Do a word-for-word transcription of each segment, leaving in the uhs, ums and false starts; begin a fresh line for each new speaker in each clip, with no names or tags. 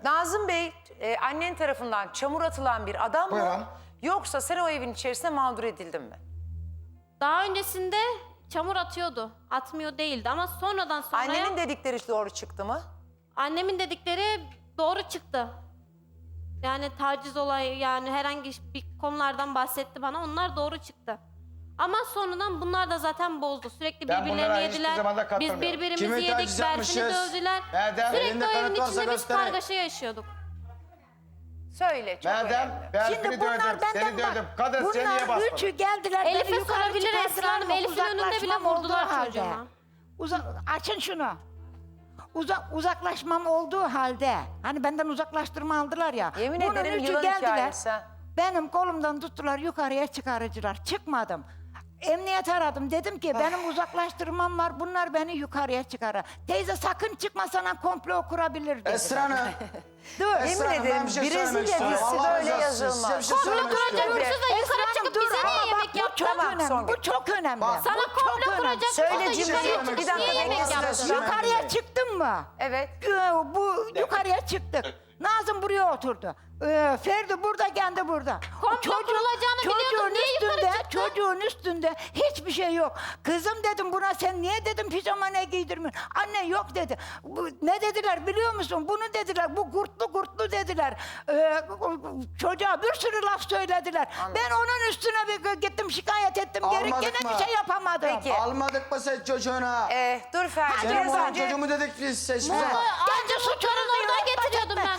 Nazım Bey e, annen tarafından çamur atılan bir adam mı?
Buyurun.
Yoksa sen o evin içerisinde mağdur edildin mi?
Daha öncesinde çamur atıyordu. Atmıyor değildi ama sonradan sonra
Annenin dedikleri doğru çıktı mı?
annemin dedikleri doğru çıktı. Yani taciz olayı, yani herhangi bir konulardan bahsetti bana. Onlar doğru çıktı. Ama sonradan bunlar da zaten bozdu. Sürekli
Ben bunlara
birbirlerini
hiçbir
yediler.
zaman da
Biz
katılmıyorum.
birbirimizi
Kimi
yedik.
taciz
Berfin'i
yapmışız?
dövdüler.
Erdem,
Sürekli
elinde
o evin
kanıt varsa
içinde biz
gösterin.
kargaşa yaşıyorduk.
Söyle, çok
Madem
önemli.
Berfin'i
Şimdi bunlar
dövdüm,
benden
seni
bak.
dövdüm. Kadın seni niye
Bunlar üçü
basmadın?
geldiler.
Elif'e
beni yukarı
sorabilir
çıkardılar
Esra Hanım.
mı?
Elif'in önünde bile
Uzaklaşmam
vurdular
olduğu halde.
çocuğuma.
Uza açın şunu. Uzak, uzaklaşmam olduğu halde, hani benden uzaklaştırma aldılar ya.
Yemin
bunun
ederim
üçü
yılan
geldiler.
hikayesi.
Benim kolumdan tuttular, yukarıya çıkarıcılar. Çıkmadım. Emniyet aradım. Dedim ki benim uzaklaştırmam var. Bunlar beni yukarıya çıkarır. Teyze sakın çıkma, sana komplo kurabilir dediler.
Esra Hanım.
Dur.
Esra
Yemin
Hanım, ben
ederim
bir şey söylemek
Brezilya
istiyorum.
dizisi
Allah
böyle
razı olsun. Size
yazılmaz.
bir şey
Komplo
söylemek
kuracak
istiyorum.
hırsız da yukarı
Esra
çıkıp
Hanım,
bize
dur.
niye
Ama
yemek
bak, bu
yaptı?
çok
Tamam,
önemli.
Songül.
Bu çok önemli.
Bak,
Sana
Bu çok
komplo
önemli.
kuracak
Söyle
hırsız da
cimri,
yukarıya
bir
çıkıp
dakika,
niye yemek
bekle,
yaptı?
Esra.
Yukarıya çıktın mı?
Evet.
Ee, Bu yukarıya çıktık. Nazım buraya oturdu. Ee, Ferdi burada, kendi burada.
Komplo kurulacağını biliyordun, niye yukarı çıktın?
Çocuğun üstünde hiçbir şey yok. Kızım dedim buna, sen niye dedim pijama ne giydirmiyorsun? Anne yok dedi. Bu, ne dediler biliyor musun? Bunu dediler. Bu kurtlu kurtlu dediler. Ee, çocuğa bir sürü laf söylediler. Ben onun üstüne bir gittim şikayet ettim. Geri
Almadık
gene
mı?
bir şey yapamadım.
Peki.
Almadık mı sen çocuğuna?
Ee, dur Ferdi.
Senin
biraz
olan
önce...
çocuğumu dedik biz seçmiş.
Bunu
ama.
ancak suçların oradan getiriyordum ben.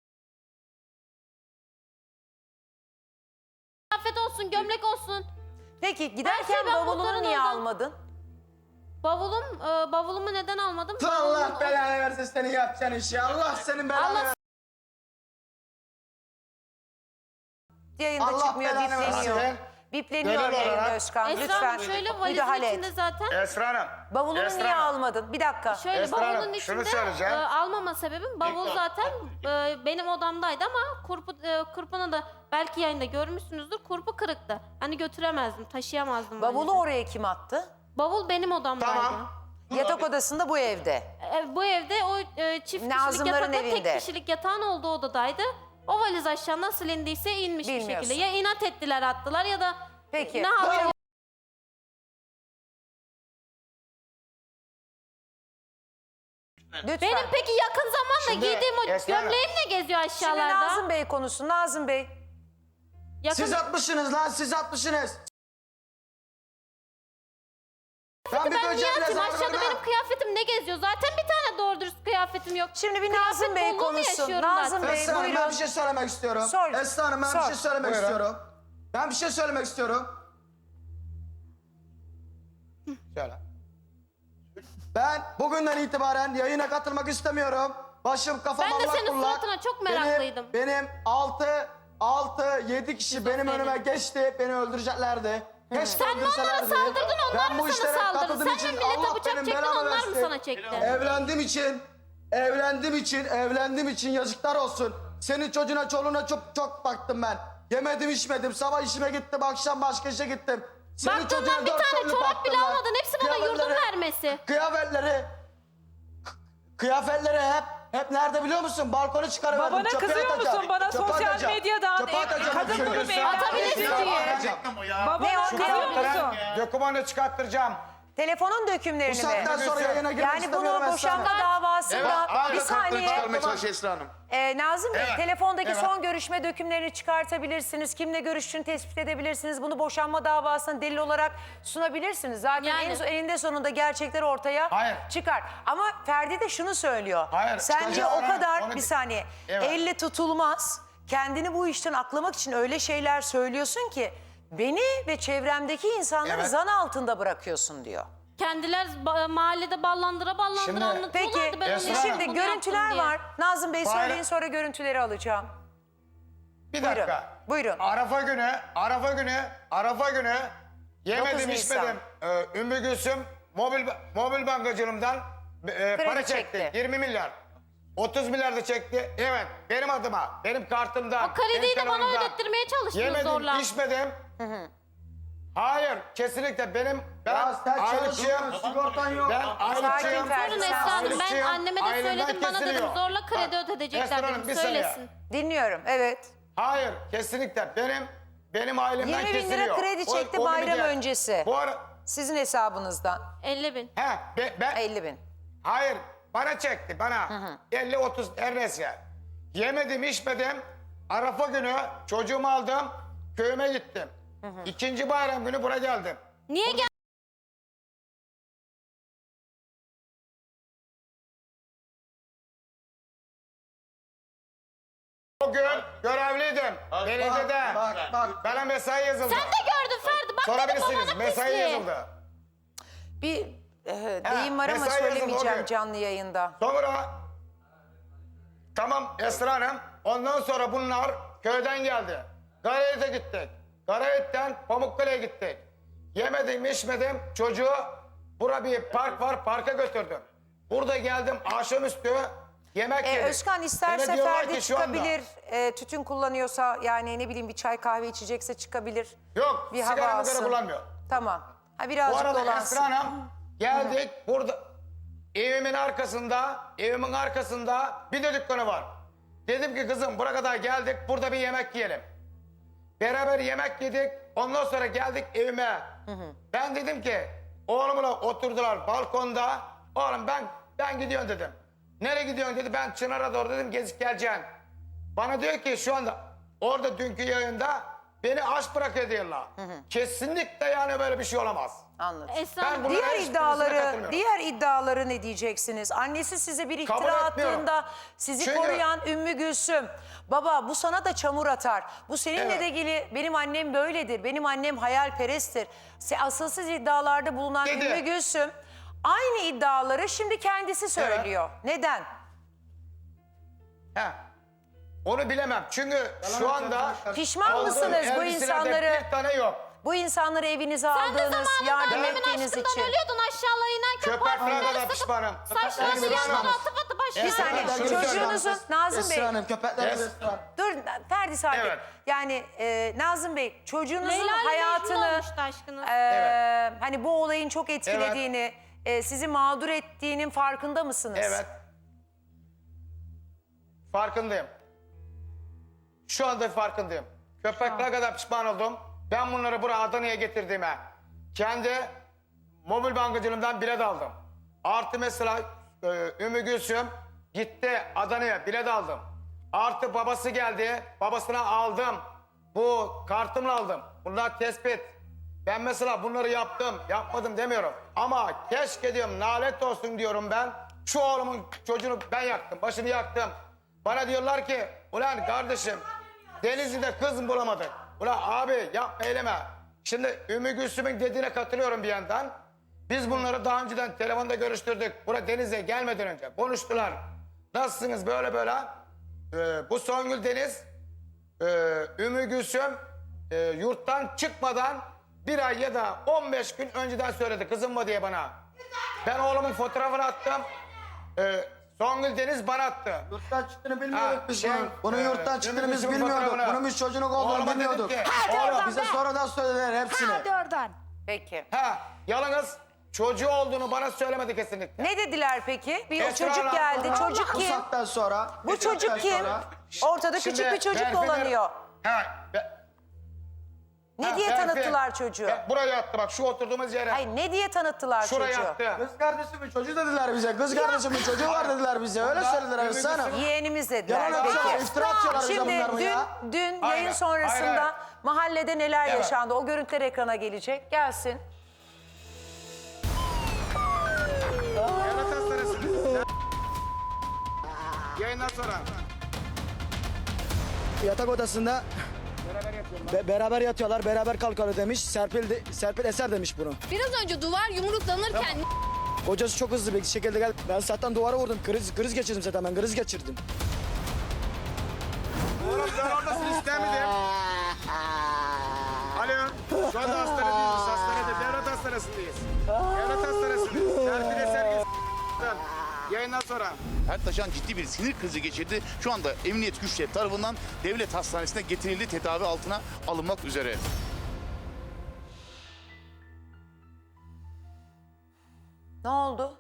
Kıyafet olsun, gömlek olsun.
Peki
Her şey
giderken
ben
bavulunu
muhtarın
niye
oldum.
almadın?
Bavulum, e, bavulumu neden almadım?
Allah
Bavulumun-
belanı versin senin yapacağın işi. Allah senin belanı
Allah-
versin.
Yayında
Allah
çıkmıyor,
belanı
bipleniyor.
versin.
Bipleniyor
Genel
yayında
olarak-
Özkan.
Esra
Lütfen
Hanım şöyle valizin
müdahale
içinde
et.
zaten.
Esra Hanım.
Bavulunu
Esra
niye
Hanım.
almadın? Bir dakika.
Şöyle
Esra
bavulun
Hanım, şunu
içinde
söyleyeceğim.
e, almama sebebim bavul zaten e, benim odamdaydı ama kurpu, e, kurpuna da belki yayında görmüşsünüzdür, kurpu kırıktı. Hani götüremezdim, taşıyamazdım.
Bavulu
valizi.
oraya kim attı?
Bavul benim odamdaydı.
Tamam.
Yatak odasında bu evde.
E, bu evde o e, çift kişilik
Nazımların
yatakla
evinde.
tek kişilik yatağın olduğu odadaydı. O valiz aşağı nasıl indiyse inmiş bir
Bilmiyorsun.
şekilde. Ya inat ettiler attılar ya da
Peki.
ne yapıyor?
Lütfen.
Benim peki yakın zamanda
Şimdi
giydiğim o
Esra Hanım.
gömleğim ne geziyor
Şimdi
aşağılarda?
Nazım Bey konusu. Nazım Bey.
Yakın...
Siz atmışsınız lan, siz atmışsınız. Ben bir
Ben niye
böcek
atayım?
mezarlığına-
Aşağıda benim kıyafetim ne geziyor? Zaten bir tane doğru dürüst kıyafetim yok.
Şimdi bir
Kıyafet
Nazım Bey
bolluğu mu
konuşsun.
yaşıyorum
Nazım
zaten?
Bey
Esra Hanım, ben
buyurun.
bir şey söylemek istiyorum.
Sor.
Esra Hanım, ben
Sor.
bir şey söylemek
Buyurun.
istiyorum. Ben bir şey söylemek istiyorum.
Söyle.
Ben bugünden itibaren yayına katılmak istemiyorum. Başım kafam
Ben de
allak
senin
bullak.
suratına çok meraklıydım.
Benim, benim altı, altı, yedi kişi benim
Şizofreni.
önüme geçti. Beni öldüreceklerdi. Keşke
Sen mi onlara
öldürselerdi.
saldırdın, onlar
Ben
mı
bu
sana
işlere
saldırdı?
katıldığım
Sen
için
mi millete
Allah
bıçak
benim
çektin,
belamı
onlar mı
versin.
sana çekti?
Evlendiğim için, evlendiğim için, evlendiğim için yazıklar olsun. Senin çocuğuna, çoluğuna çok çok baktım ben. Yemedim, içmedim. Sabah işime gittim, akşam başka işe gittim. Senin
Baktığından
çocuğuna
bir
dört
tane
türlü
çorap
baktım
bile
ben.
almadın. Hepsi bana yurdum
Kıyafetleri-
vermesi.
Kıyafetleri, kıyafetleri hep hep nerede biliyor musun? Balkona çıkarıverdim.
Babana
çöpe
kızıyor
atacağım.
musun? Bana
Çöpe
sosyal
atacağım.
medyadan,
Çöpe
e,
atacağım.
kadın
Çöpe
grubu
atacağım.
evlendirsin
Çöpe
diye.
atacağım.
Babana
Şu
kızıyor
kağıtları-
musun?
Dokümanı çıkarttıracağım.
Telefonun
Bu
dökümlerini
saatten
mi?
sonra yayına girmek
Yani
istemiyorum
bunu
Esra
boşanma
Hanım.
davasında bir saniye.
çıkarmaya çalışıyor Esra Hanım.
Ee, Nazım Bey,
Evet,
telefondaki
evet.
son görüşme dökümlerini çıkartabilirsiniz. Kimle görüştüğünü tespit edebilirsiniz. Bunu boşanma davasına delil olarak sunabilirsiniz. Zaten
Yani.
en, eninde sonunda gerçekler ortaya
Hayır.
çıkar. Ama Ferdi de şunu söylüyor.
Hayır,
Sen diyor
çıkacak.
o kadar,
Onu-
bir saniye,
Evet.
elle tutulmaz. Kendini bu işten aklamak için öyle şeyler söylüyorsun ki beni ve çevremdeki insanları
Evet.
zan altında bırakıyorsun diyor.
Kendiler ba- mahallede ballandıra ballandıra
Şimdi-
anlatıyorlardı.
Peki
Ben onu
Esra
yaptım,
şimdi
bunu
görüntüler
yaptım diye.
var. Nazım Bey
Bayram-
söyleyin, sonra görüntüleri alacağım.
Bir
Buyurun,
dakika.
buyurun.
Arafa günü, Arafa günü, Arafa günü yemedim
dokuz Nisan.
içmedim. Ee, Ümmü Gülsüm mobil, mobil bankacılığımdan e, para çekti.
çekti.
yirmi milyar. otuz milyar da çekti. Evet, benim adıma, benim kartımdan.
O krediyi
benim
de bana
telefonumdan.
ödettirmeye çalıştınız
Yemedim,
zorla.
içmedim. Hayır, kesinlikle benim ben
Ya sen
ayrıcıyım.
çalışıyorsun, sigortan yok.
Ben ayrıcıyım.
Ferdi,
Sorun
sen
Esra Hanım, ben
ayrıcıyım.
anneme de
Ailemden
söyledim, bana dedim
kesiliyor.
zorla kredi
Bak,
ödetecekler
Esra Hanım,
dedim,
bir saniye.
söylesin.
Dinliyorum, evet.
Hayır, kesinlikle benim benim ailemden
yirmi bin lira
kesiliyor.
kredi
O-
çekti
o bir
bayram
diğer-
öncesi.
Bu ara
Sizin hesabınızdan
elli bin.
he be- ben
elli bin.
hayır bana çekti bana. elli otuz ernesi. Yemedim, içmedim. Arafa günü çocuğumu aldım. Köyüme gittim. İkinci bayram günü buraya geldim.
Niye gel?
O gün görevliydim. Belediyede.
Bak bak.
Bana mesai yazıldı.
Sen de gördün Ferdi. Bak dedim
Sorabilirsiniz.
babanın
Mesai
pisliği.
yazıldı.
Bir e, deyim var ama
mesai yazıldı o
söylemeyeceğim
gün.
canlı yayında.
Sonra tamam Esra Hanım. Ondan sonra bunlar köyden geldi. Garayet'e gittik. Garayet'ten Pamukkale'ye gittik. Yemedim, içmedim. Çocuğu bura bir park var. Parka götürdüm. Burada geldim akşamüstü yemek
E,
yedik.
Özkan isterse
Bana diyorlar
Ferdi
ki şu anda-
çıkabilir. E, tütün kullanıyorsa yani ne bileyim bir çay kahve içecekse çıkabilir.
Yok,
Bir hava
sigaramı
alsın.
göre kullanmıyor.
Tamam. Ha,
Bu
birazcık
arada
dolansın.
Esra Hanım geldik burada evimin arkasında evimin arkasında bir de dükkanı var. Dedim ki kızım buraya kadar geldik burada bir yemek yiyelim. Beraber yemek yedik ondan sonra geldik evime. Ben dedim ki oğlumla oturdular balkonda. Oğlum ben ben gidiyorum dedim. Nereye gidiyorsun dedi ben Çınar'a doğru dedim gezip geleceğim. Bana diyor ki şu anda orada dünkü yayında beni aç bırakıyor diyorlar. Kesinlikle yani böyle bir şey olamaz.
Anladım.
Esra
Ben
Hanım,
bunu-
Diğer
hiçbirisine
iddiaları,
katılmıyorum.
diğer iddiaları ne diyeceksiniz? Annesi size bir
Kabul
iftira
etmiyorum.
attığında sizi
Çünkü-
koruyan Ümmü Gülsüm. Baba bu sana da çamur atar. Bu seninle
Evet.
de ilgili benim annem böyledir. Benim annem hayalperesttir. Se- Asılsız iddialarda bulunan
Dedi.
Ümmü Gülsüm aynı iddiaları şimdi kendisi söylüyor. Neden?
He. Onu bilemem. Çünkü şu anda
Pişman
aldığım
mısınız bu
elbiselerde
insanları,
bir tane yok.
bu insanları evinize
sen de
aldığınız,
zamanında
yardım
annemin
ettiğiniz
aşkından
için?
ölüyordun aşağıya inerken
Köpek
parfümleri
kadar
sıkıp
pişmanım.
saçlarını
Köpek
yanına
kadar
atıp atıp başına.
Bir saniye
Evet, şunu
çocuğunuzun
söyleyeyim.
Nazım Bey.
Esra Hanım köpekler
Yes.
Esra Hanım.
Dur Ferdi sakin.
Evet.
Yani e, Nazım Bey çocuğunuzun
Leyla ile Mecnun
hayatını
olmuştu aşkınız.
e,
Evet.
hani bu olayın çok etkilediğini, e, sizi mağdur ettiğinin farkında mısınız?
Evet. Farkındayım. Şu anda farkındayım. Köpekler kadar pişman oldum. Ben bunları buraya Adana'ya getirdiğime kendi mobil bankacılığımdan bilet aldım. Artı mesela e, Ümmü Gülsüm gitti Adana'ya bilet aldım. Artı babası geldi. Babasına aldım. Bu kartımla aldım. Bunlar tespit. Ben mesela bunları yaptım, yapmadım demiyorum. Ama keşke diyorum, nalet olsun diyorum ben. Şu oğlumun çocuğunu ben yaktım, başını yaktım. Bana diyorlar ki, ulan kardeşim Denizli'de kız mı bulamadık? Ulan abi yapma eyleme. Şimdi Ümmü Gülsüm'ün dediğine katılıyorum bir yandan. Biz bunları daha önceden telefonda görüştürdük. Buraya Denizli'ye gelmeden önce konuştular. Nasılsınız böyle böyle? Ee, bu Songül Deniz, e, Ümmü Gülsüm e, yurttan çıkmadan bir ay ya da on beş gün önceden söyledi kızım mı diye bana. Ben oğlumun fotoğrafını attım. E, Songül Deniz bana attı.
Yurttan çıktığını bilmiyorduk
Ha,
biz
şey,
bunun. Bunun
e,
yurttan çıktığını biz
Ümmü Gülsüm'ün
bilmiyorduk.
fotoğrafını.
Bunun biz çocuğunun olduğunu
Oğluma dedim
bilmiyorduk.
ki,
Hadi
oğlum,
oradan
Bize
be.
sonradan söylediler hepsini.
Hadi oradan.
Peki.
Ha, yalnız çocuğu olduğunu bana söylemedi kesinlikle.
Ne dediler peki? Bir
Esra
çocuk
Hanım,
geldi.
Bu
Çocuk kim?
saatten sonra.
Bu çocuk kim? Ortada
Şimdi
küçük bir çocuk
Berfin'e-
dolanıyor.
Ha, be-
Ne
ha,
diye
Berfin.
tanıttılar çocuğu?
Be- Buraya yattı bak şu oturduğumuz yere.
Hayır ne diye tanıttılar
Şuraya
çocuğu?
yattı.
Kız kardeşimin çocuğu dediler bize. Kız kardeşimin çocuğu var dediler bize. Öyle
Bunlar
söylediler
Ümmü
Esra Hanım.
Gülsüm'ün-
Yeğenimiz dediler.
Yalan atıyorlar,
Peki.
iftira atıyorlar bize
Şimdi
bunlar mı
dün,
ya?
dün
Aynen,
yayın sonrasında
aynen.
mahallede neler
Evet.
yaşandı? O görüntüler ekrana gelecek. Gelsin.
Devlet hastanesinde. Yayından sonra.
Yatak odasında
Beraber yapıyorum.
be- beraber yatıyorlar, beraber kalkıyor demiş. Serpil, de- Serpil Eser demiş bunu.
Biraz önce duvar yumruklanırken
Kocası çok hızlı bir şekilde geldi. Ben zaten duvara vurdum. Kriz, kriz geçirdim zaten ben. Kriz geçirdim.
Oğlum sen oradasın istemedim. Alo. Şu anda hastanedeyiz. Biz hastanede. Devlet hastanesindeyiz. Devlet hastanesindeyiz. Serpil Eser yayından sonra.
Ertaşan ciddi bir sinir krizi geçirdi. Şu anda emniyet güçleri tarafından devlet hastanesine getirildi, tedavi altına alınmak üzere.
Ne oldu?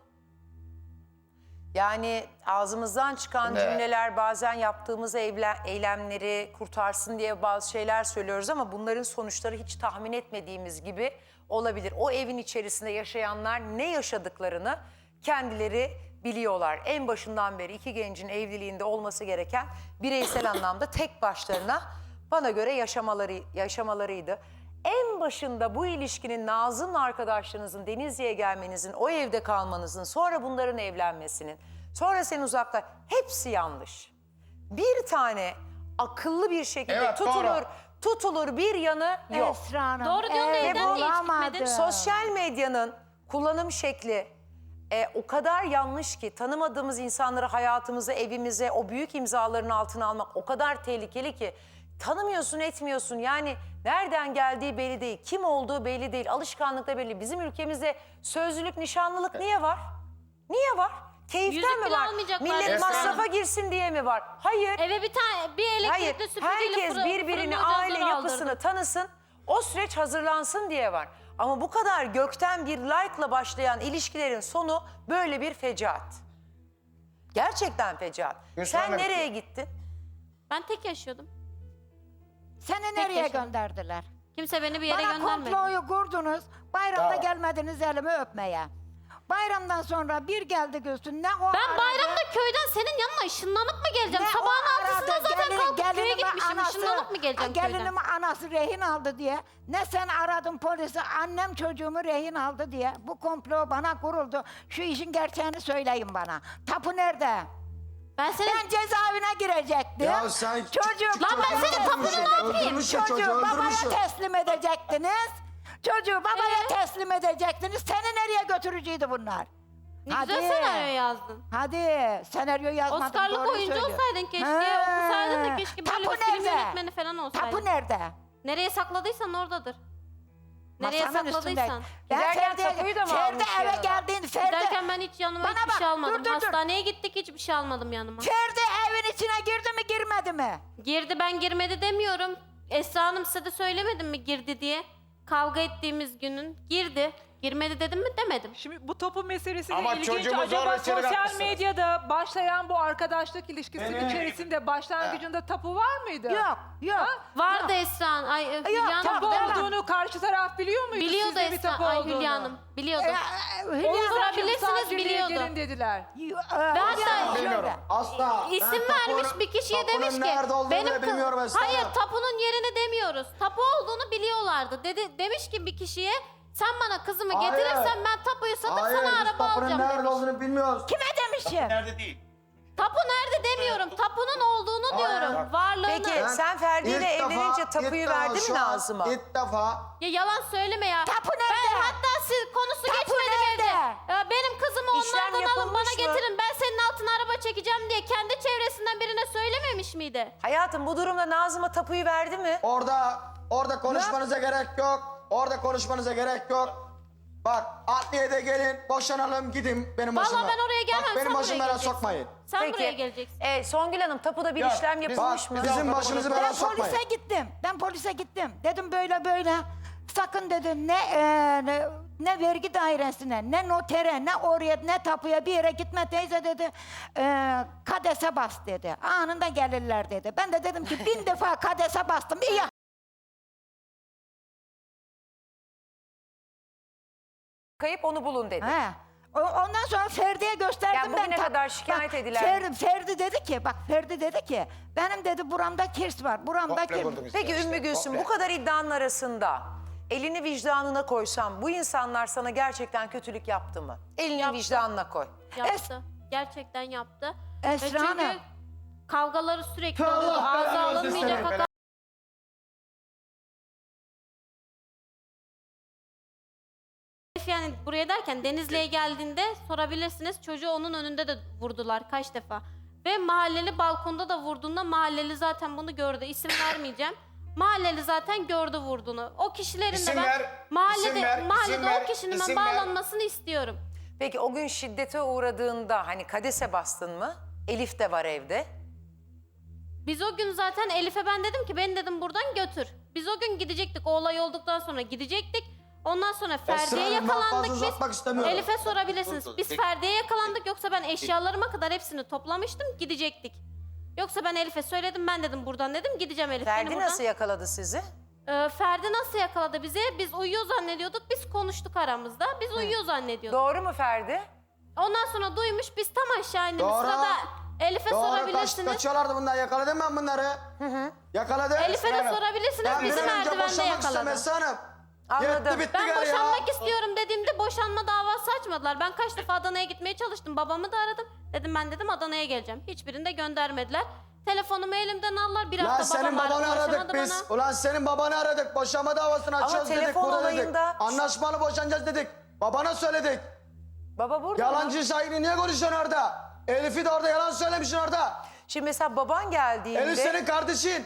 Yani ağzımızdan çıkan
Ne?
cümleler, bazen yaptığımız evle- eylemleri kurtarsın diye bazı şeyler söylüyoruz ama bunların sonuçları hiç tahmin etmediğimiz gibi olabilir. O evin içerisinde yaşayanlar ne yaşadıklarını kendileri biliyorlar. En başından beri iki gencin evliliğinde olması gereken bireysel anlamda tek başlarına bana göre yaşamaları yaşamalarıydı. En başında bu ilişkinin Nazım'la arkadaşlarınızın Denizli'ye gelmenizin, o evde kalmanızın, sonra bunların evlenmesinin, sonra senin uzakta hepsi yanlış. Bir tane akıllı bir şekilde
Evet,
tutulur,
doğru.
tutulur bir yanı yok.
Esra Hanım,
Doğru diyorsun da
ev
evden niye hiç
bulamadı.
gitmedin?
Sosyal medyanın kullanım şekli e, o kadar yanlış ki tanımadığımız insanları hayatımıza, evimize, o büyük imzaların altına almak o kadar tehlikeli ki tanımıyorsun, etmiyorsun. Yani nereden geldiği belli değil, kim olduğu belli değil, alışkanlık da belli. Bizim ülkemizde sözlülük, nişanlılık niye var? Niye var? Keyiften
Yüzük
mi
bile
var?
almayacaklar
Millet
Esra
masrafa
Hanım.
girsin diye mi var? Hayır.
Eve bir tane bir
Hayır,
elektrikli süpürgeyle
herkes
fırın-
birbirini,
fırın
aile
ocağını
yapısını
aldırdı.
tanısın, o süreç hazırlansın diye var. Ama bu kadar gökten bir like'la başlayan ilişkilerin sonu böyle bir fecaat. Gerçekten fecaat.
Hüsran'a
Sen nereye
bitiyor.
gittin?
Ben tek yaşıyordum.
Seni nereye
yaşadım.
gönderdiler?
Kimse beni bir yere
Bana
göndermedi.
komployu kurdunuz. Bayramda
Bravo.
gelmediniz elimi öpmeye. Bayramdan sonra bir geldi Gülsün. Ne o
Ben
aradı,
bayramda köyden senin yanına ışınlanıp mı geleceğim?
ne o
Sabahın altısında
aradı,
zaten
gelin-
kalkıp köye
gelinimi
gitmişim.
anası-
Işınlanıp mı geleceğim köyden?
Gelinimi anası rehin aldı diye. Ne sen aradın polisi, annem çocuğumu rehin aldı diye. Bu komplo bana kuruldu. Şu işin gerçeğini söyleyin bana. Tapu nerede?
Ben senin...
Ben cezaevine girecektim.
Ya sen
Çocuk,
Lan ben
babaya
senin tapunu
teslim
ne yapayım?
Öldürmüşsün çocuğu,
Çocuğu babaya
öldürmüşsün.
teslim edecektiniz. Çocuğu babaya
Ee?
teslim edecektiniz. Seni nereye götürücüydü bunlar?
Ne güzel senaryo yazdın.
Hadi senaryo yazmadım.
Oscar'lık
doğruyu
oyuncu
söylüyor.
olsaydın keşke.
He.
Okusaydın da keşke böyle
Tapu
bir film
nerede?
yönetmeni falan olsaydın.
Tapu nerede?
Nereye sakladıysan oradadır. Nereye
Masamın
sakladıysan.
üstünde. Ben
Giderken
Ferdi,
tapuyu da mı
Ferdi
almış
eve
yanına?
geldiğinde Ferdi,
Giderken ben hiç yanıma
Bana
hiçbir
bak,
şey almadım.
dur, dur, dur.
Hastaneye gittik hiçbir şey almadım yanıma.
Ferdi evin içine girdi mi girmedi mi?
Girdi ben girmedi demiyorum. Esra Hanım size de söylemedim mi girdi diye. Kavga ettiğimiz günün girdi. Girmedi dedim mi demedim.
Şimdi bu topu meselesi de
Ama
ilginç.
çocuğumu zorla
Acaba
içeri
sosyal
katmışsınız.
medyada başlayan bu arkadaşlık ilişkisinin
Beni-
içerisinde başlangıcında tapu var mıydı?
Yok, yok.
Ha?
Vardı Esra Hanım. Ay, e, Hülya Hanım
Tapu
Devam.
olduğunu karşı taraf biliyor muydu?
biliyordu
Sizde bir
Esra.
tapu
Ay
olduğunu?
Hülya Hanım biliyordu.
Ee,
Onu
Hülya
sorabilirsiniz
sorabilirsiniz, biliyordu.
Gelin dediler.
Ve
hatta-
Bilmiyorum.
Asla.
İsim
Ben
vermiş
tapunun-
bir kişiye
tapunun
demiş ki
nerede olduğunu
benim
bile
kız-
bilmiyorum Esra
hayır
Hanım.
tapunun yerini demiyoruz. Tapu olduğunu biliyorlardı. Dedi demiş ki bir kişiye sen bana kızımı
Hayır.
getirirsen ben tapuyu satıp
Hayır,
sana
biz
araba
tapunun
alacağım
nerede
demiş.
olduğunu bilmiyoruz.
Kime demişim?
Nerede değil.
Tapu nerede demiyorum. Tapunun olduğunu
Hayır.
diyorum. Varlığını.
Peki
Ben
sen Ferdi ile
ilk defa-
evlenince
ilk
tapuyu
defa
verdi mi
şu an
Nazım'a?
İlk defa
Ya yalan söyleme ya.
Tapu
Ben
nerede?
hatta siz konusu
Tapu
geçmedi
nerede?
evde. Ya benim kızımı
İşlem
onlardan alın
yapılmış
bana
mı?
getirin. Ben senin altına araba çekeceğim diye kendi çevresinden birine söylememiş miydi?
Hayatım bu durumda Nazım'a tapuyu verdi mi?
orada orada konuşmanıza gerek yok. Orada konuşmanıza gerek yok. Bak adliyede gelin boşanalım gidin benim
Vallahi
başıma.
ben oraya gelmem.
Bak benim
sen
başımı
buraya
belaya
geleceksin.
sokmayın.
Sen buraya geleceksin.
e, Songül Hanım tapuda bir
Ya,
işlem
biz-
yapılmış
Bak
mı?
bizim başımızı belaya
Ben
sokmayın.
polise gittim. Ben polise gittim. Dedim böyle böyle. Sakın dedim ne, e, ne ne vergi dairesine, ne notere, ne oraya, ne tapuya bir yere gitme teyze dedi. E, kadese bas dedi. Anında gelirler dedi. Ben de dedim ki bin defa kadese bastım. İyi.
Kayıp onu bulun dedi.
He. O- Ondan sonra Ferdi'ye gösterdim
Yani
ben.
bugüne
ta-
kadar şikayet
Bak,
edilen-
Fer- Ferdi dedi ki, bak Ferdi dedi ki, benim dedi buramda kirs var, buramda
Komple
kirs.
vurdunuz
Peki
işte,
Ümmü Gülsüm
komple.
bu kadar iddianın arasında elini vicdanına koysan bu insanlar sana gerçekten kötülük yaptı mı? Elini
Yaptı.
vicdanına koy.
Yaptı. Gerçekten yaptı.
Esra
Ve çünkü
Hanım.
kavgaları sürekli
Allah
oluyordu. Ağza
belanı
alınmayacak
versin.
hakaret. Yani buraya derken Denizli'ye geldiğinde sorabilirsiniz. Çocuğu onun önünde de vurdular kaç defa. Ve mahalleli balkonda da vurduğunda mahalleli zaten bunu gördü. İsim vermeyeceğim. Mahalleli zaten gördü vurduğunu. O kişilerin de
İsim
ben
ver,
mahallede,
isim ver,
mahallede
isim ver,
o kişinin ben
isim ver.
bağlanmasını istiyorum.
Peki o gün şiddete uğradığında hani kadese bastın mı? Elif de var evde.
Biz o gün zaten Elif'e ben dedim ki beni dedim buradan götür. Biz o gün gidecektik. O olay olduktan sonra gidecektik. Ondan sonra Ferdi'ye
Hanım, ben fazla
yakalandık
uzatmak
biz.
istemiyorum.
Elif'e sorabilirsiniz.
Dur, dur,
Biz
peki.
Ferdi'ye yakalandık yoksa ben eşyalarıma kadar hepsini toplamıştım gidecektik. Yoksa ben Elif'e söyledim ben dedim buradan dedim gideceğim Elif beni
Ferdi
buradan.
nasıl yakaladı sizi?
Ee, Ferdi nasıl yakaladı bizi? Biz uyuyor zannediyorduk. Biz konuştuk aramızda. Biz uyuyor zannediyorduk.
Doğru mu Ferdi?
Ondan sonra duymuş biz tam aşağı indiğimiz
Doğru.
sırada Elif'e
Doğru, kaç,
sorabilirsiniz.
kaçıyorlardı bunlar. Yakaladım ben bunları. Yakaladım.
Elif'e de
Esra Hanım.
sorabilirsiniz.
Ben bir
Bizi
an önce
merdivende
boşanmak istiyorum
yakaladı.
Esra Hanım.
Anladım.
Yetti bitti
Ben
gari ya.
boşanmak istiyorum dediğimde boşanma davası açmadılar. Ben kaç defa Adana'ya gitmeye çalıştım. Babamı da aradım. Dedim ben dedim Adana'ya geleceğim. Hiçbirini de göndermediler. Telefonumu elimden aldılar. Bir
Lan
hafta
senin
babam
babanı
aradı,
aradık
ulaşamadı
biz.
bana.
Ulan senin babanı aradık. Boşanma davasını açacağız dedik.
telefon
Burada dedik.
olayında-
Anlaşmalı boşanacağız dedik. Babana söyledik.
Baba burada mı?
Yalancı şahidi niye konuşuyorsun orada? Elif'i de orada yalan söylemişsin orada.
Şimdi mesela baban geldiğinde...
Elif senin kardeşin.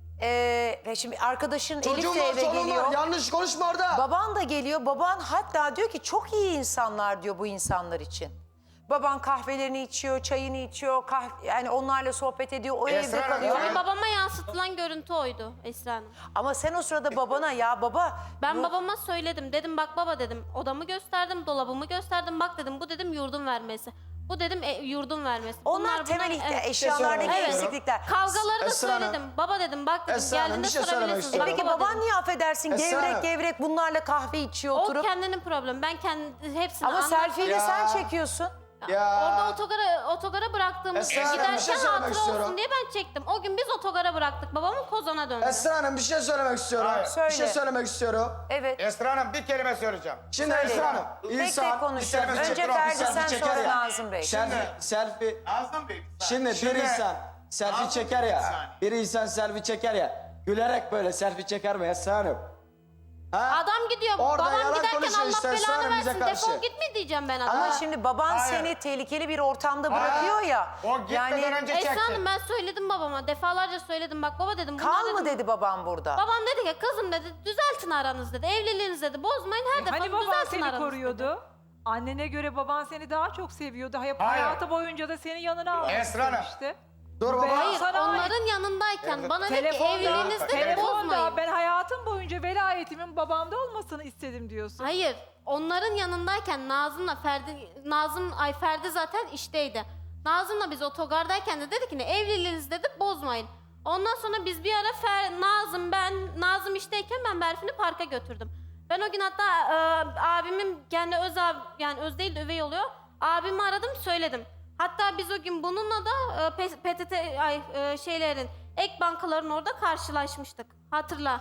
Eee, ve şimdi arkadaşın Elif
Çocuğun
de
var,
eve
sorun
geliyor.
var. Yanlış konuşma orada.
Baban da geliyor. Baban hatta diyor ki çok iyi insanlar diyor bu insanlar için. Baban kahvelerini içiyor, çayını içiyor, kah yani onlarla sohbet ediyor, o
Esra
evde
Hanım,
kalıyor.
Yani babama yansıtılan görüntü oydu Esra Hanım.
Ama sen o sırada babana ya baba...
Ben
bu-
babama söyledim. Dedim bak baba dedim. Odamı gösterdim, dolabımı gösterdim. Bak dedim bu dedim yurdun vermesi. Bu dedim e, yurdun vermesi.
Onlar
Bunlar,
temel
bunlar-
ihtiyaç,
evet.
eşyalardaki
Evet.
eksiklikler.
Kavgaları da
Esra Hanım.
söyledim. Baba dedim bak dedim
Esra Hanım,
geldiğinde
bir şey söylemek
sorabilirsiniz.
istiyorum.
Bak
Peki
baba
baban
dedim.
niye affedersin
Esra
gevrek
Hanım.
gevrek bunlarla kahve içiyor
O
oturup?
kendinin problemi. Ben kendi hepsini
Ama
anlattım.
selfie'yi de
Ya.
sen çekiyorsun.
Ya.
Orada otogara, otogara bıraktığımız
Esra Hanım, bir
giderken
şey söylemek
hatıra
istiyorum.
olsun diye ben çektim. O gün biz otogara bıraktık. Babamın Kozan'a döndü.
Esra Hanım bir şey söylemek istiyorum.
Hayır.
Söyle.
Bir şey söylemek istiyorum.
Evet.
Esra Hanım bir kelime söyleyeceğim.
Şimdi
Söyle.
Esra Hanım.
Tek tek
insan
konuşacağız.
bir selfie
Önce
çeker,
Ferdi,
bir selfie
sen
çeker
sonra
ya.
Nazım Bey.
Selfie, selfie.
Nazım Bey.
Şimdi bir
Şimdi-
insan selfie
Nazım
çeker
Bey, bir
ya.
saniye.
Bir insan selfie çeker ya. Gülerek böyle selfie çeker mi Esra Hanım? Ha?
Adam gidiyor.
Orada
Babam
yalan
giderken
konuşuyor
Allah
işte Esra
belanı
Hanım bize
versin.
karşı.
Defol gitme diyeceğim ben adama.
Ama şimdi baban
Hayır.
seni tehlikeli bir ortamda bırakıyor ya.
O gitmeden önce çekti.
Esra Hanım ben söyledim babama. Defalarca söyledim. Bak baba dedim. bunlar
Kal
dedim,
mı dedi babam burada?
Babam dedi ki kızım dedi düzeltin aranız dedi. Evliliğiniz dedi. Bozmayın her defa
Hani baban
düzeltin
seni
aranız dedi.
koruyordu? Annene göre baban seni daha çok seviyordu. Hay-
Hayır.
Hayatı boyunca da seni yanına almak
Esra Hanım.
istemişti.
Dur baba.
Ben-
Hayır
Sana ait.
onların yanındayken bana dedi ki
Telefonda,
evliliğiniz dedi
telefonda
bozmayın.
ben hayatım boyunca velayetimin babamda olmasını istedim diyorsun.
Hayır. Onların yanındayken Nazım'la Ferdi, Nazım, ay Ferdi zaten işteydi. Nazım'la biz otogardayken de dedi ki ne evliliğinizi dedi bozmayın. Ondan sonra biz bir ara Fer, Nazım ben, Nazım işteyken ben Berfin'i parka götürdüm. Ben o gün hatta e, abimin kendi öz abi, yani öz değil de üvey oluyor. Abimi aradım söyledim. Hatta biz o gün bununla da e, P- P T T ay, e, şeylerin ek bankaların orada karşılaşmıştık. Hatırla.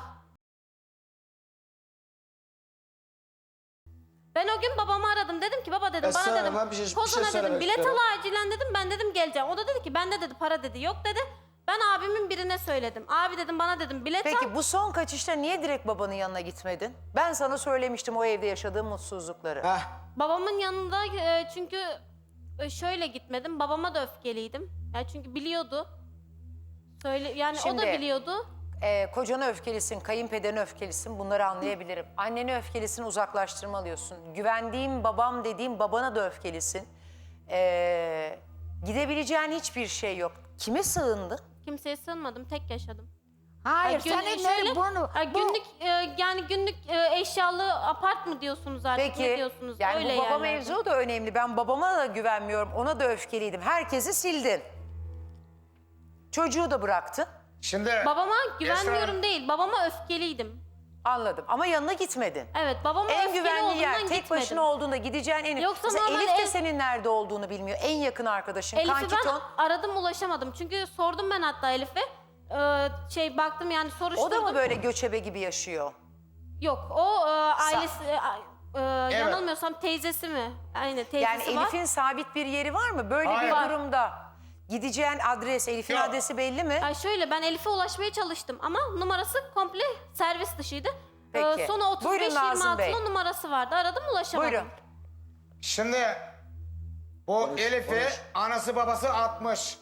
Ben o gün babamı aradım. Dedim ki baba dedim
Esra
bana
Hanım,
dedim.
ben bir şey- bir şey
Kozan'a dedim
söylemek
bilet al
istiyorum.
acilen dedim. Ben dedim geleceğim. O da dedi ki bende dedi para dedi yok dedi. Ben abimin birine söyledim. Abi dedim bana dedim bilet al.
Peki bu son kaçışta niye direkt babanın yanına gitmedin? Ben sana söylemiştim o evde yaşadığım mutsuzlukları.
Heh.
Babamın yanında e, çünkü e, şöyle gitmedim. Babama da öfkeliydim. Yani çünkü biliyordu. Söyle yani o
Şimdi-
da biliyordu.
Ee, kocana öfkelisin, kayınpederine öfkelisin bunları anlayabilirim. Annene öfkelisin, uzaklaştırmalıyorsun. Güvendiğim babam dediğim babana da öfkelisin. Ee, gidebileceğin hiçbir şey yok. Kime sığındın?
Kimseye sığınmadım. Tek yaşadım.
Hayır
Gün-
senin
şöyle,
ne bunu?
ha,
bu-
günlük e, yani günlük e, eşyalı apart mı diyorsunuz artık
Peki,
ne diyorsunuz?
yani
Öyle
bu baba
yerlerde.
mevzu da önemli. Ben babama da güvenmiyorum, ona da öfkeliydim. Herkesi sildin. Çocuğu da bıraktın.
Şimdi
Babama
Esra
güvenmiyorum
Hanım,
değil. Babama öfkeliydim.
Anladım ama yanına gitmedin.
Evet babama
En
öfkeli
güvenli yer,
olduğundan
tek
gitmedim.
başına olduğunda gideceğin en...
Yoksa
Mesela
normal
Elif de
ev-
senin nerede olduğunu bilmiyor. En yakın arkadaşın,
Elif'i
kankiton.
ben aradım ulaşamadım. Çünkü sordum ben hatta Elif'e. Ee, şey baktım yani soruşturdum.
O da mı böyle göçebe gibi yaşıyor?
Yok o e, ailesi e, e, yanılmıyorsam teyzesi mi? Aynen teyzesi
Yani
var.
Elif'in sabit bir yeri var mı? Böyle
Hayır.
bir durumda gideceğin adres, Elif'in
Yok.
adresi belli mi?
Ay şöyle ben Elif'e ulaşmaya çalıştım ama numarası komple servis dışıydı.
Peki.
Ee, sonu otuz beş
Buyurun
yirmi
Nazım Bey.
altı'nın numarası vardı. Aradım ulaşamadım.
Buyurun.
şimdi bu Elif'i anası babası atmış.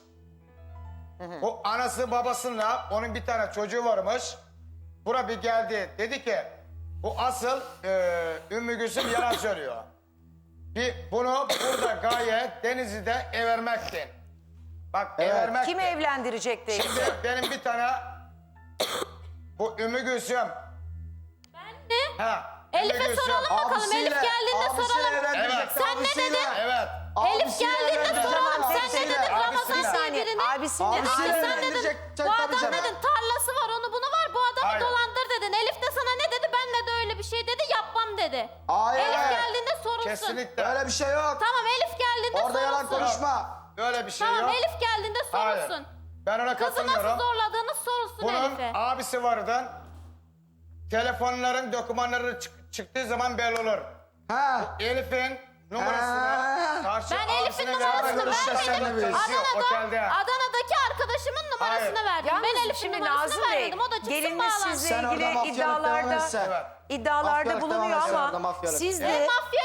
O anası babasıyla onun bir tane çocuğu varmış. Bura bir geldi. Dedi ki bu asıl e, Ümmü Gülsüm yalan söylüyor. Bir bunu burada gayet Denizli'de evermektin. Bak
Evet.
evermektin.
Kimi evlendirecek değil.
Şimdi benim bir tane bu Ümmü Gülsüm.
Ben de
Ha,
Elif'e
Gülsüm.
soralım bakalım.
Abisiyle-
Elif geldiğinde
abisiyle
soralım.
evlendirecekti,
Sen ne
abisiyle.
dedin?
Evet.
Elif
Abisiyle
geldiğinde
evlendirecekti,
soralım. Sen ne
abisiyle.
dedin? Ramazan
Abisiyle.
Bir
diye
saniye.
birini.
Abisinin
Abi
Abisiyle
sen dedin.
evlendirecek,
Bu
tabii
adam
canım.
dedin tarlası var onu bunu var. Bu adamı
Hayır.
dolandır dedin. Elif de sana ne dedi? Benle de öyle bir şey dedi. Yapmam dedi.
Hayır.
Elif geldiğinde sorulsun.
Kesinlikle.
Öyle bir şey yok.
Tamam Elif geldiğinde
Orada yalan
sorulsun.
konuşma.
Öyle bir şey
Tamam
yok.
Elif geldiğinde
Hayır.
sorulsun.
Ben ona
Kızı
katılmıyorum.
nasıl zorladığını sorulsun
Bunun
Elif'e.
abisi vardı. Telefonların dokümanları çık- çıktığı zaman belli olur.
Ha.
Elif'in numarasını
Ha.
karşı
Ben Elif'in
abisine
numarasını
verdim.
görüşeceğiz seninle biz.
Çalışıyor
Adana'da,
otelde.
Adana'daki arkadaşımın numarasını
Hayır.
verdim.
Yalnız
ben Elif'in
şimdi
numarasını
Nazım Bey,
vermedim. O da çıksın
gelininiz
bağlansın.
sizle
Sen orada
ilgili
mafyalık devam
iddialarda,
etsen.
Evet.
iddialarda
Mafyalık
bulunuyor
devam etsen orada
ama
mafyalık.
siz
Ben
de
mafya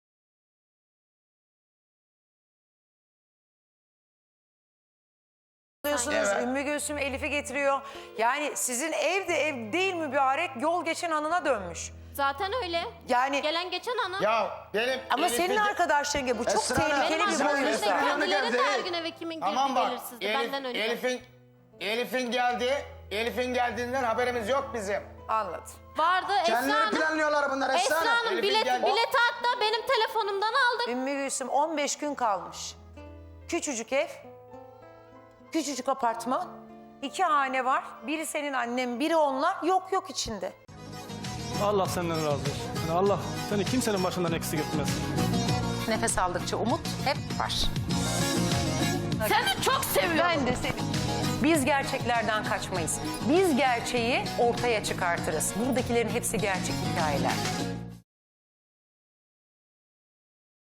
diyorsunuz,
Evet.
Ümmü Gülsüm Elif'i getiriyor. Yani sizin ev de ev değil mübarek, yol geçen anına dönmüş.
zaten öyle.
Yani
Gelen geçen ana.
Ya benim
ama
Elif'i-
senin arkadaşların gibi bu çok
Esra Hanım,
tehlikeli
Benim
bir
bizim
arkadaşım
boyumuzda.
da
boyutta.
kendileri de
Değil.
her gün eve kimin
Tamam
girdi
bak.
belirsizdi.
Elif,
Benden önce.
Elif'in Elif'in geldi. Elif'in geldiğinden haberimiz yok bizim.
Anladım.
Vardı Esra
Kendileri
Hanım.
planlıyorlar bunlar Esra
Esra
Hanım.
Hanım
Elif'in
bilet,
geldi.
bileti hatta benim telefonumdan aldık.
Ümmü Gülsüm on beş gün kalmış. Küçücük ev, küçücük apartman, iki hane var. Biri senin annen, biri onlar. Yok yok içinde.
Allah senden razı olsun. Yani Allah seni kimsenin başından eksik etmez.
Nefes aldıkça umut hep var.
Seni çok seviyorum.
Ben de seni. Biz gerçeklerden kaçmayız. Biz gerçeği ortaya çıkartırız. Buradakilerin hepsi gerçek hikayeler.